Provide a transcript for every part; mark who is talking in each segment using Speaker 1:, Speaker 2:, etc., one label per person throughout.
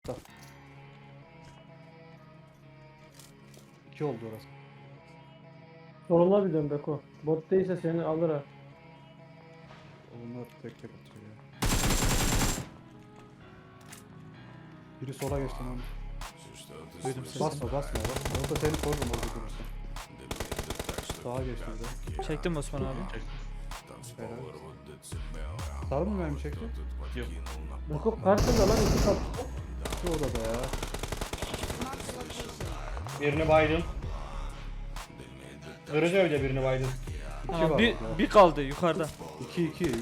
Speaker 1: İki oldu orası.
Speaker 2: Soluna bir dön Beko. Bot değilse seni alır ha.
Speaker 1: Onlar tek tek atıyor ya. Biri sola geçti lan.
Speaker 3: Duydum sesini.
Speaker 1: Basma. Orada seni korurum orada durursun. Sağa geçti bir de.
Speaker 3: Çektim Osman abi.
Speaker 1: Helal. Sarı mı mermi çekti?
Speaker 4: Yok.
Speaker 2: Beko karşında lan iki kat.
Speaker 1: Şu odada ya.
Speaker 4: Birini baydım. Kırıcı evde birini baydım.
Speaker 3: Tamam,
Speaker 1: var
Speaker 3: bir,
Speaker 1: bak ya.
Speaker 3: bir kaldı yukarıda.
Speaker 1: 2 yukarı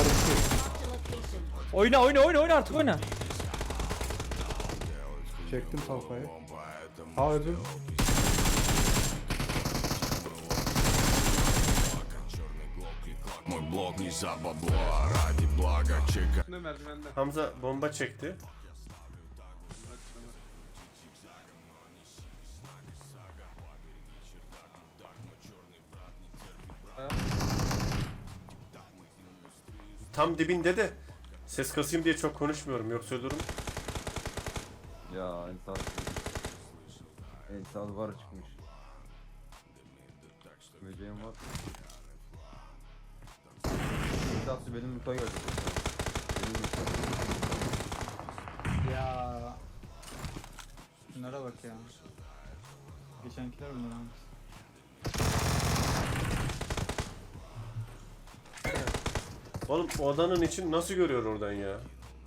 Speaker 1: 2.
Speaker 3: Oyna artık oyna.
Speaker 1: Çektim talpayı. Ha öldüm.
Speaker 5: Мой блог не за бабло, ради блага чека.
Speaker 6: Ne merdivende?
Speaker 7: Hamza bomba çekti. Tam dibinde de ses kasayım diye çok konuşmuyorum, yoksa ölürüm.
Speaker 8: Ya Ensal var çıkmış. Böceğim var. Ensal benim mutfağa geldi. Benim mutfağa.
Speaker 9: Ya. Şunlara bak ya. Geçenkiler bunlar abi.
Speaker 7: Oğlum o odanın için nasıl görüyor oradan ya?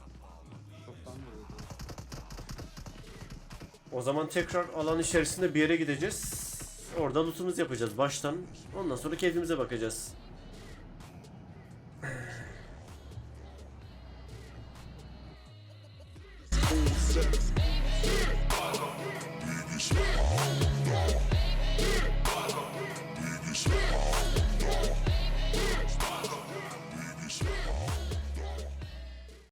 Speaker 7: O zaman tekrar alan içerisinde bir yere gideceğiz. Orada loot'umuzu yapacağız baştan. Ondan sonra keyfimize bakacağız.